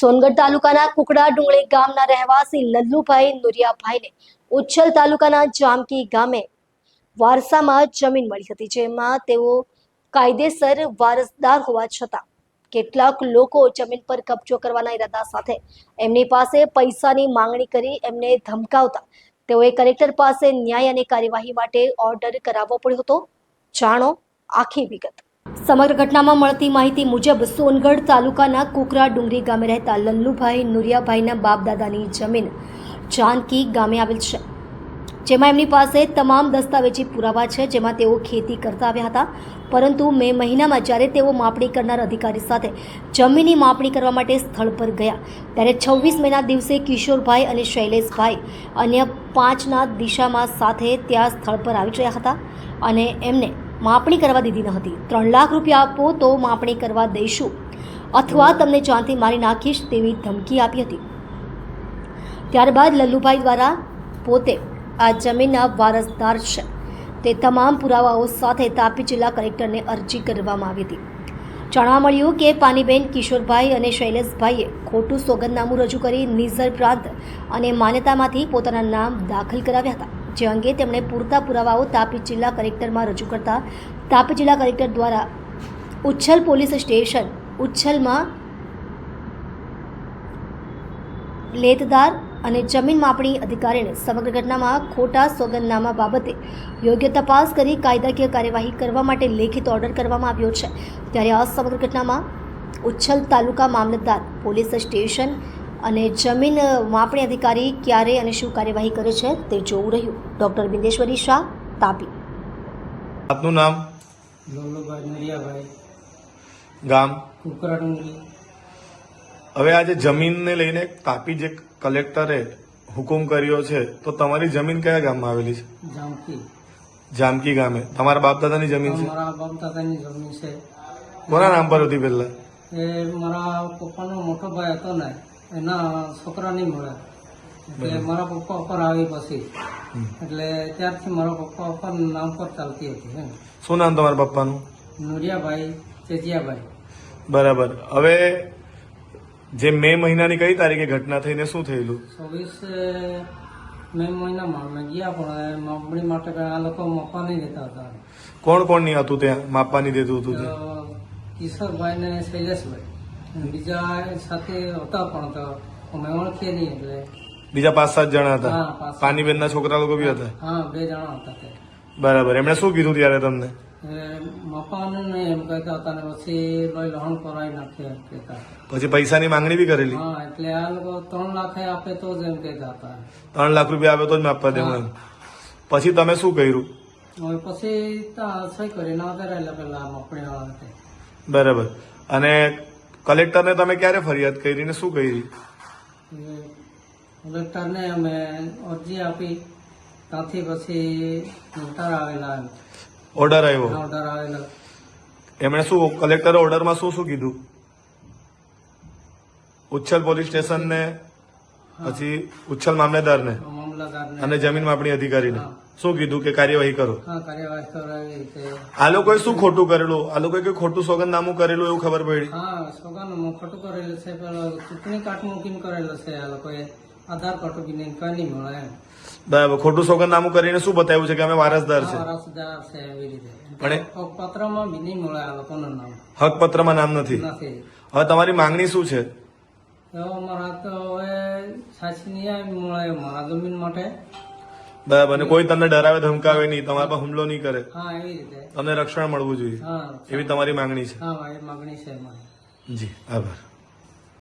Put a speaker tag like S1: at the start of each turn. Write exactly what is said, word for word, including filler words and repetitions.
S1: સોનગઢ તાલુકાના કુકડા ડુંગળી ગામના રહેવાસી લલ્લુભાઈ નુરિયાભાઈને ઉચ્છલ તાલુકાના જામકી ગામે વારસામાં જમીન મળી હતી, જેમાં તેઓ કાયદેસર વારસદાર હોવા છતાં કેટલાક લોકો જમીન પર કબજો કરવાના ઈરાદા સાથે એમની પાસે પૈસાની માંગણી કરી એમને ધમકાવતા તેઓએ કલેક્ટર પાસે ન્યાય અને કાર્યવાહી માટે ઓર્ડર કરાવવો પડ્યો હતો. જાણો આખી વિગત. સમગ્ર ઘટનામાં મળતી માહિતી મુજબ સોનગઢ તાલુકાના કુકરા ડુંગરી ગામે રહેતા લલ્લુભાઈ નુરિયાભાઈના બાપ દાદાની જમીન જાનકી ગામે આવેલ છે, જેમાં એમની પાસે તમામ દસ્તાવેજી પુરાવા છે, જેમાં તેઓ ખેતી કરતા આવ્યા હતા. પરંતુ મે મહિનામાં જ્યારે તેઓ માપણી કરનાર અધિકારી સાથે જમીનની માપણી કરવા માટે સ્થળ પર ગયા ત્યારે છવ્વીસ મેના દિવસે કિશોરભાઈ અને શૈલેષભાઈ અન્ય પાંચના દિશામાં સાથે ત્યાં સ્થળ પર આવી રહ્યા હતા અને એમને માપણી કરવા દીધી ન હતી. ત્રણ લાખ રૂપિયા આપો તો માપણી કરવા દઈશું અથવા તમને જાનથી મારી નાખીશ તેવી ધમકી આપી હતી. ત્યારબાદ લલ્લુભાઈ દ્વારા પોતે આ જમીનના વારસદાર છે તે તમામ પુરાવાઓ સાથે તાપી જિલ્લા કલેક્ટરને અરજી કરવામાં આવી હતી. જાણવા મળ્યું કે પાનીબેન, કિશોરભાઈ અને શૈલેષભાઈએ ખોટું સોગંદનામું રજૂ કરી નિઝર પ્રાંત અને માન્યતામાંથી પોતાના નામ દાખલ કરાવ્યા હતા, જે અંગે તેમણે પૂરતા પુરાવાઓ તાપી જિલ્લા કલેક્ટરમાં રજૂ કરતા તાપી જિલ્લા કલેક્ટર દ્વારા ઉચ્છલ પોલીસ સ્ટેશન ઉચ્છલમાં લેતદાર અને જમીન માપણી અધિકારીને સમગ્ર ઘટનામાં ખોટા સોગંદનામા બાબતે યોગ્ય તપાસ કરી કાયદાકીય કાર્યવાહી કરવા માટે લેખિત ઓર્ડર કરવામાં આવ્યો છે. ત્યારે આ સમગ્ર ઘટનામાં ઉચ્છલ તાલુકા મામલતદાર, પોલીસ સ્ટેશન અને જમીન માપણી અધિકારી ક્યારે અને શું કાર્યવાહી કરે છે તે જોવું રહ્યું. ડોક્ટર બિંદેશ્વરી શાહ, તાપી.
S2: આપનું નામ?
S3: લલ્લુભાઈ નુરિયાભાઈ,
S2: ગામ
S3: કુકરા ડુંગરી.
S2: હવે આજે જમીનને લઈને તાપી જે કલેક્ટરે હુકુમ કર્યો છે, તો તમારી જમીન કયા ગામમાં આવેલી છે?
S3: જામકી.
S2: જામકી ગામે તમારા બાપ દાદાની જમીન છે?
S3: મારા બાપ દાદાની જમીન છે.
S2: કોના નામ પર હતી પહેલા?
S3: એ મારા પપ્પાનો મોટો ભાઈ હતો ને, એના છોકરા નહીં મળે એટલે મારા પપ્પા ઉપર આવી પછી એટલે ત્યારથી મારા પપ્પા ઉપર નામ પર ચાલતી હતી.
S2: શું નામ તમારા પપ્પાનું?
S3: નુરિયાભાઈ ચેતિયાભાઈ.
S2: બરાબર. હવે જે મે મહિનાની કઈ તારીખે ઘટના થઈને શું થયેલું?
S3: ચોવીસ મે મહિનામાં અમે ગયા, પણ માપણી માટે આ લોકો માપવા નહીં દેતા હતા.
S2: કોણ કોણ નહીં હતું ત્યાં માપવાની દેતું હતું?
S3: કિશોરભાઈ ને શૈલેષભાઈ બીજા સાથે હતા, પણ તો અમે ઓળખીએ નહીં એટલે.
S2: બીજા પાંચ સાત જણા હતા?
S3: હા, પાંચ.
S2: પાનીબેન ના છોકરા લોકો બી હતા?
S3: હા, બે જણા હતા તે.
S2: બરાબર. એમણે શું કીધું ત્યારે તમને?
S3: મપાનું નહીં એમ કહેતા હતા ને પછી લોહી લહણ કરાવી નાખે એમ કહેતા હતા.
S2: પછી પૈસાની માંગણી બી કરેલી?
S3: હા, એટલે આ લોકો ત્રણ લાખ આપે તો જ એમ કહેતા હતા.
S2: ત્રણ લાખ રૂપિયા આપે તો જ માપવા દેવું એમ. પછી તમે શું કર્યું?
S3: હવે પછી ત્યાં સહી કરી ના કરેલા પેલા માપણી વાળા.
S2: બરાબર. અને કલેક્ટરને તમે ક્યારે ફરિયાદ કરી ને શું કરી?
S3: કલેક્ટરને અમે અરજી આપી, ત્યાંથી પછી ઓર્ડર આવેલા.
S2: ઓર્ડર આવ્યો?
S3: ઓર્ડર આવેલા.
S2: એમણે શું કલેક્ટરે ઓર્ડરમાં શું શું કીધું? ઉચ્છલ પોલીસ સ્ટેશન ને પછી ઉચ્છલ મામલેદાર ને
S3: મામલતદારને
S2: અને જમીન માપણી અધિકારીને શું કીધું કે કાર્યવાહી કરો?
S3: હા, કાર્યવાહી કરાવી છે.
S2: આ લોકોએ શું ખોટું કરેલું? આ લોકોએ કઈ ખોટું સોગંદનામું કરેલું એવું ખબર પડી?
S3: હા, સોગાનું ખોટું કરેલું છે. પેલો ચૂંટણી કાર્ડ મૂકીને કરેલું છે આ લોકોએ. આધાર કાર્ડ બી નહીં, કઈ નહીં મળે એમ.
S2: બરાબર. ખોટું સોગંદનામું કરીને શું બતાવ્યું છે કે અમે વારસદાર છે?
S3: વારસદાર છે એવી રીતે.
S2: પણ
S3: પત્રમાં બી નહીં મળે આ લોકોનું નામ.
S2: હકપત્રમાં નામ નથી?
S3: નથી.
S2: હવે તમારી માંગણી શું છે?
S3: એવો મારા તો હવે સાચી નહીં મળે મારા જમીન માટે.
S2: બરાબર. અને કોઈ તમને ડરાવે ધમકાવે નહીં, તમારા પર હુમલો નહીં કરે,
S3: હા, એવી રીતે
S2: તમને રક્ષણ મળવું જોઈએ,
S3: હા,
S2: એવી તમારી માંગણી છે?
S3: હા, એ માંગણી છે મારી.
S2: જી, આભાર.